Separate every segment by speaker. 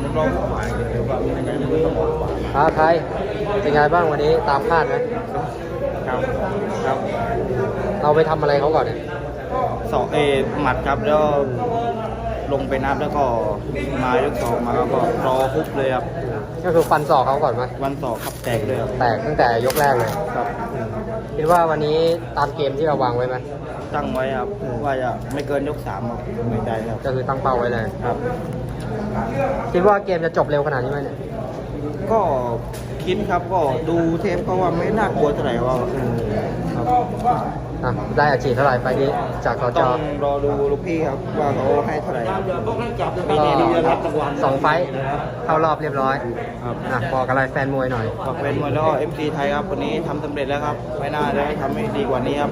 Speaker 1: มันร้องหวานเลยว่าไม่ได้ไม่ต้องบอกหวาน
Speaker 2: ไทยเป็นไงบ้างวันนี้ตามคาดไหม
Speaker 1: ครับครับ
Speaker 2: เราไปทำอะไรเขาก่อนเนี่ย
Speaker 1: หมัดครับแล้วลงไปนับแล้วก็มายกสองมาแล้วก็รอคุบเลยครับ
Speaker 2: ก็คือฟันศอกเขาก่อนไหม
Speaker 1: วันสองขับแตกเลยครับ
Speaker 2: แตกตั้งแต่ยกแรกเลย
Speaker 1: ครับ
Speaker 2: คิดว่าวันนี้ตามเกมที่เราวางไว้ไหม
Speaker 1: ตั้งไว้ครับว่าจะไม่เกินยก3ครับไม่ใจครับ
Speaker 2: ก็คือตั้งเป้าไว้เลย
Speaker 1: ครับ
Speaker 2: คิดว่าเกมจะจบเร็วขนาดนี้ไหมเนี่ย
Speaker 1: ก็คิดครับก็ดูเทปก็ว่าไม่น่ากลัวเท่าไหร่ว่าครับ
Speaker 2: ได้อาชีพเท่าไหร่ไฟล์นี้จากสจ
Speaker 1: ต้องรอดูลูกพี่ครับว่าเขาให้เท่าไหร่
Speaker 2: ก็2 ไฟล์เข้ารอบเรียบร้อย
Speaker 1: ครับ
Speaker 2: บอกอะไรแฟนมวยหน่อย
Speaker 1: ฝากเป็นมวยแล้วก็ MC ไทยครับวันนี้ทำสำเร็จแล้วครับไม่น่าจะทำให้ดีกว่านี้ครับ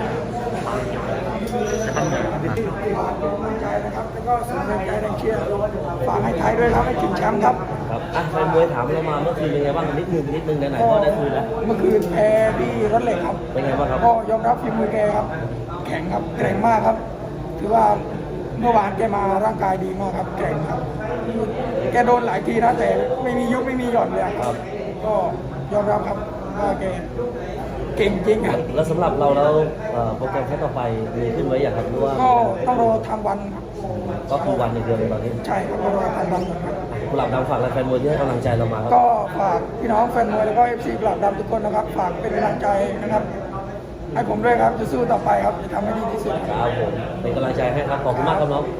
Speaker 3: ใจนะครับแล้วก็ส่งแรงใจแรงเชียร์ฝากให้ไทยด้วยครับให้ถึงแชมป์ครับ
Speaker 4: ครับแฟนมวยถามเรามาเมื่อคืนเป็นไงบ้างนิดนึงไหนๆก็ได้คืนแล้ว
Speaker 3: เมื่อคืนแพ้ที่รถเหล็กครับ
Speaker 4: เป็นไงบ้างครับ
Speaker 3: ก็ยอมรับฝีมือแกครับ แข็งครับแกร่งมากครับ ถือว่าเมื่อวานแกมาร่างกายดีมากครับแกร่งครับแกโดนหลายทีนะแต่ไม่มียุบไม่มีหย่อนเลยครับ ก็ยอมรับครับว่าแกเก่งจริงครับ
Speaker 4: แล้วสำหรับเราแล้วโปรแกรมแค่ต่อไปมีขึ้นไว้อย่างครับหรือว่า
Speaker 3: ก็ต้องรอทางวันครับ
Speaker 4: ก็คือวันอย่างเดียวเลยตอนนี้
Speaker 3: ใช่ครับต้องรอทางวันครับ
Speaker 4: กุหลาบดำฝากแฟนมวยที่ให้กำลังใจเรามาครับ
Speaker 3: ก็ฝากพี่น้องแฟนมวยแล้วก็ FC กลับดำทุกคนนะครับ ฝากเป็นกำลังใจนะครับ ให้ผมด้วยครับ จะสู้ต่อไปครับ จะทำให้ดีที่สุดครับ
Speaker 4: ครับผมเป็นกำลังใจให้ครับขอบคุณมากครับน้อง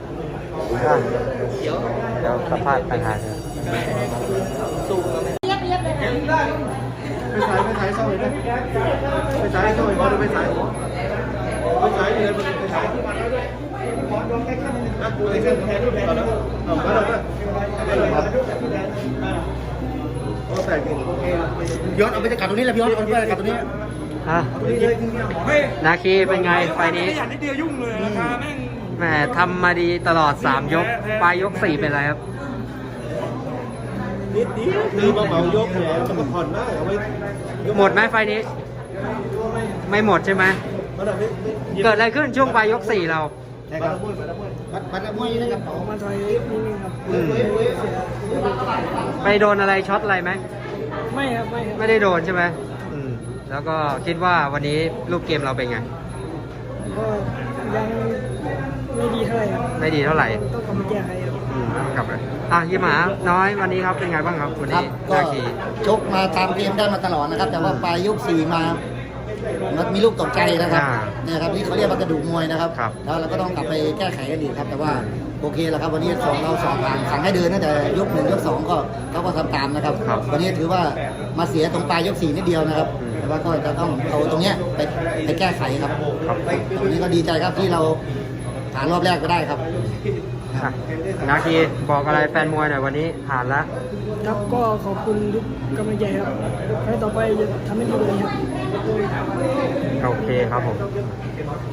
Speaker 2: เดี๋ยวสัมภาษณ์ไปหาเธอ
Speaker 5: ย้อนเอาไปจากตรงนี้แหละพี่ย้อนเอาไปจากตรงนี้
Speaker 2: นาคีเป็นไงไฟล์นี้
Speaker 3: ขยันนิดเดียวยุ่งเลยราคาแม่ง
Speaker 2: แหมทำมาดีตลอด 3 ยก ปลายยก 4 เป็นไรครับ
Speaker 5: คือมาเหมายกแล้วจะมาผ่อนมากเอาไว้
Speaker 2: หมดไหมไฟล์นี้ ไม่หมดใช่ไหม เกิดอะไรขึ้นช่วงปลายยก 4 เรา
Speaker 5: บัตรมวยนะครับ
Speaker 3: มาถอยนิดนึงครับ
Speaker 2: ไปโดนอะไรช็อตอะไรไหม
Speaker 3: ไม่ครับ ไม่ครับ
Speaker 2: ไม่ได้โดนใช่ไหมแล้วก็คิดว่าวันนี้รูปเกมเราเป็นไง
Speaker 3: ก็ยังไม่ดีเท่าไหร่ครับ
Speaker 2: ไม่ดีเท่าไหร่
Speaker 3: ต้องกลับมาแก้ไขครับ
Speaker 2: ต้องกลับเลยยี่หมาน้อยวันนี้ครับเป็นไงบ้างครับวัน
Speaker 5: ครั
Speaker 2: นี้
Speaker 5: บก็
Speaker 2: นาคี
Speaker 5: ชกมาตามเกมได้มาตลอดนะครับ แต่ว่าปลายยก4มามันมีลูกตกใจนะครับเนี่ยครับนี่เขาเรียกว่ากระดูกมวยนะครับแล้วเราก็ต้องกลับไปแก้ไขกันอีกครับ แต่ว่าโอเคแล้วครับวันนี้เราสองผ่านสั่งให้เดินตั้งแต่ยก1ยก2ก็เขาก็ทำตามนะครับ วันนี้ถือว่ามาเสียตรงปลายยก4นิดเดียวนะครับ แต่ว่าก็จะต้องเอาตรงเนี้ยไปแก้ไขครับวันนี้ก็ดีใจครับที่เราผ่านรอบแรกก็ได้ครับ
Speaker 2: นาคีบอกอะไรแฟนมวยหน่อยวันนี้ผ่านแล้ว
Speaker 3: ครับก็ขอบคุณทุกกำลังใจครับให้ต่อไปจะทำให้ดีกว่านี้ครับ
Speaker 2: โอเคครับผม
Speaker 3: ค